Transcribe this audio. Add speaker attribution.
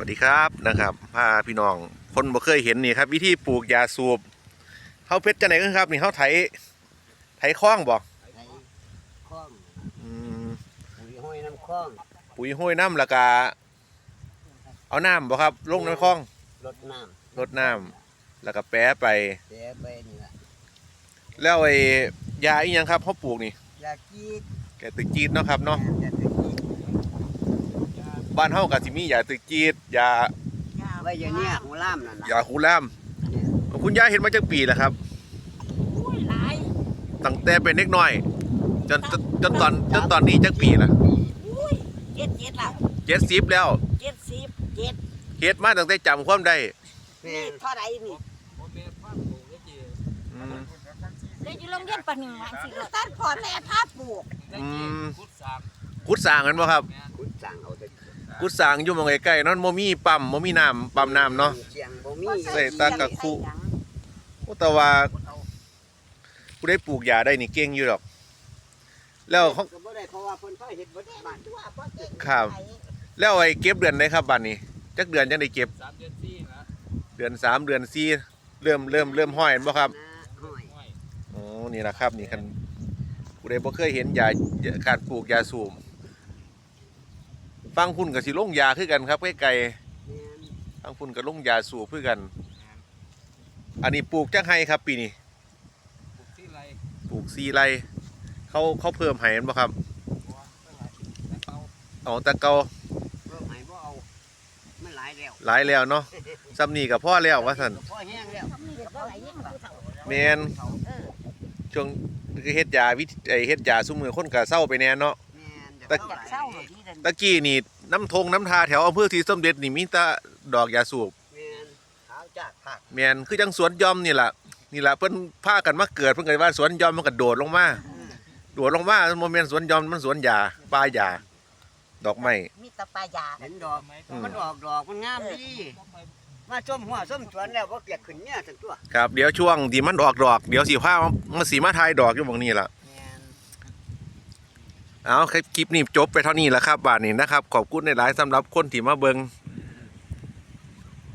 Speaker 1: วัสดีครับนะครับพาพี่น้องคนบ่เคยเห็นนี่ครับวิธีปลูกยาสูบเขาเพชรจะไหนกันครับนี่เขาไถคล้องบ่
Speaker 2: ไถคล้อง
Speaker 1: อืม
Speaker 2: ปุ๋ยห้อยน้ำคล้อง
Speaker 1: ปุ๋ยห้วยน้ำแล้วก็เอาน้ำบ่ครับลงในคลอง
Speaker 2: รดน้
Speaker 1: รดน้ำแล้วก็แปะไป
Speaker 2: ำเสียไปนี่ละ
Speaker 1: แล้วไอ้ยาอีหยังครับเขาปลูกนี่
Speaker 2: ยากีด
Speaker 1: แกตึกจีดเนาะครับเนาะ
Speaker 2: ยาตะกีด
Speaker 1: บ้านเฮาก็สิมียาตึกจีดยา
Speaker 2: ไว้อย่างเนี้ยของล่ามนั่นนะ
Speaker 1: ยาคูล่ามคุณยายเห็นมาจากปีแล้วครับ
Speaker 3: หลาย
Speaker 1: ตั้งแต่เป็นเด็กน้อยจนตอนนี้จักปีละ
Speaker 3: อุ้ยเจ็ดละ
Speaker 1: 70แล้ว
Speaker 3: 70
Speaker 1: เฮ็ดมาตั้งแต่จำความได้
Speaker 3: นี่เท่าไรนี่
Speaker 1: อืม
Speaker 3: เดี๋ยวอยู่โรงเรียนป .1 วันสิตัดพ่อแม่พาปลูก
Speaker 1: กุดสร้างกันบ่ครับ
Speaker 2: ขุดสั่งเอาแต่
Speaker 1: กุดสร้างอยู่หม้องใกล้ๆนั่นบ่มีปั๊มบ่มีน้ำปั๊มน้ำเนาะ
Speaker 2: เชียงบ่มี
Speaker 1: ใส่ตากะคุแต่ว่าผู้ได้ปลูกยาได้นี่เก่งอยู่ดอกแล้วเขา
Speaker 2: ก็บ่ได้เพราะว่าเพิ่นพาเฮ็ดบ่ได้บ้าน
Speaker 1: ครับแล้วไอ้เก็บเดือนไหนครับบัดนี้จักเดือนจังได้เก็บ
Speaker 4: 3 เดือน4นะ
Speaker 1: เดือน3เดือน4เริ่มห้อยบ่ครับ
Speaker 2: ห้อย
Speaker 1: อ๋อนี่ล่ะครับนี่คันผู้ใดบ่เคยเห็นยาการปลูกยาสูบฟังพุ่นก็สิลงยาคือกันครับใกล้ๆฟังพุ่นก็ลงยาสูบคือกันอันนี้ปลูกจักไห้ครับปีนี้ปลูก4 ไร่เขาเพิ่มให้มันบ่ครับอ๋อแต่เก่า
Speaker 2: เพิ่มให้บ่เอามันหลายแล้ว
Speaker 1: หลายแล้วเนาะซ้ำนี่ก็พอแล้วว่าซั่น
Speaker 2: พอแห้งแล้ว
Speaker 1: แม่นช่วงคือเฮ็ดยาเฮ็ดยาซุมื้อคนก็เซาไปแน่เนาะ
Speaker 2: แม่นเดี๋ยวเอาหลาย
Speaker 3: เศร้าที่นั่น
Speaker 1: ตะกี้นี่น้ำทาแถวอำเภอศรีสมเด็จนี่มีแต่ดอกยาสูบ
Speaker 2: แม่นขาวจากผัก
Speaker 1: แม่นคือจังสวนหย่อมนี่ล่ะเพิ่นพากันมาเกิดเพิ่นก็ว่าสวนหย่อมมันก็โดดลงมามันบ่แม่นสวนหย่อมมันสวนยาป่ายาดอกไม้
Speaker 3: มีแตะปลายา
Speaker 2: เห็นดอกมันออกดอกมันงามดีมาส้มหัวส้มสวนแล้วบ่เกลียดขึ้นเนี่ยทั้งตัว
Speaker 1: ครับเดี๋ยวช่วงที่มันออกดอกเดี๋ยวสิพามาสิมาทายดอกอยู่หม้องนี้ล่ะ
Speaker 2: แม่น
Speaker 1: เอาคลิปนี้จบไปเท่านี้แล้วครับบาดนี้นะครับขอบคุณหลายๆสำหรับคนที่มาเบิ่ง